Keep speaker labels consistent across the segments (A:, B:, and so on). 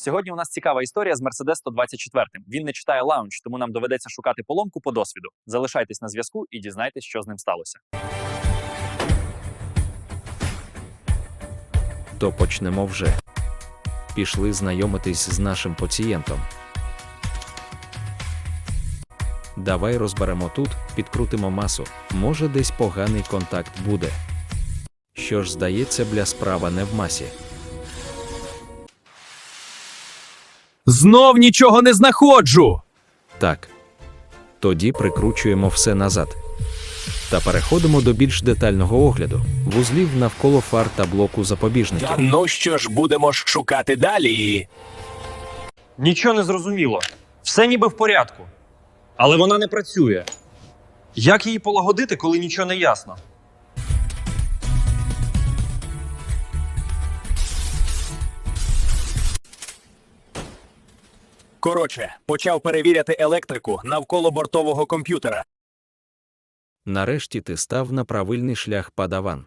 A: Сьогодні у нас цікава історія з Mercedes 124. Він не читає лаунч, тому нам доведеться шукати поломку по досвіду. Залишайтесь на зв'язку і дізнайтесь, що з ним сталося.
B: То почнемо вже. Пішли знайомитись з нашим пацієнтом. Давай розберемо тут, підкрутимо масу. Може, десь поганий контакт буде. Що ж, здається, бля, справа не в масі.
C: Знов нічого не знаходжу!
B: Так. Тоді прикручуємо все назад. Та переходимо до більш детального огляду. Вузлів навколо фар та блоку запобіжників.
C: Ну що ж, будемо ж шукати далі.
D: Нічого не зрозуміло. Все ніби в порядку. Але вона не працює. Як її полагодити, коли нічого не ясно?
C: Коротше, почав перевіряти електрику навколо бортового комп'ютера.
B: Нарешті ти став на правильний шлях, падаван.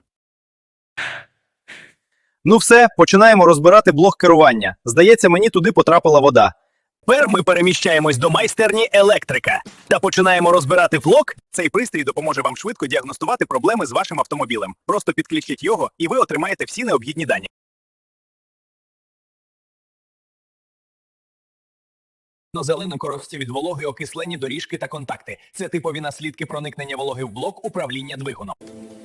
E: Ну все, починаємо розбирати блок керування. Здається, мені туди потрапила вода.
C: Тепер ми переміщаємось до майстерні електрика та починаємо розбирати блок. Цей пристрій допоможе вам швидко діагностувати проблеми з вашим автомобілем. Просто підключіть його, і ви отримаєте всі необхідні дані. Зелена коробці від вологи, окислені доріжки та контакти. Це типові наслідки проникнення вологи в блок управління двигуном.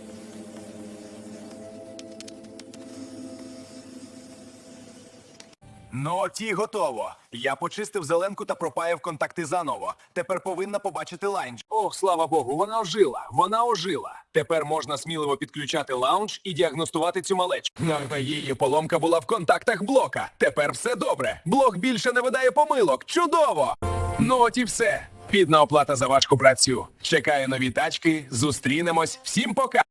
C: Ну от і готово. Я почистив зеленку та пропаяв контакти заново. Тепер повинна побачити лаунж. Ох, слава Богу, вона ожила. Вона ожила. Тепер можна сміливо підключати лаунж і діагностувати цю малечку. Її поломка була в контактах блока. Тепер все добре. Блок більше не видає помилок. Чудово! Ну от і все. Підна оплата за важку працю. Чекаю нові тачки. Зустрінемось. Всім пока!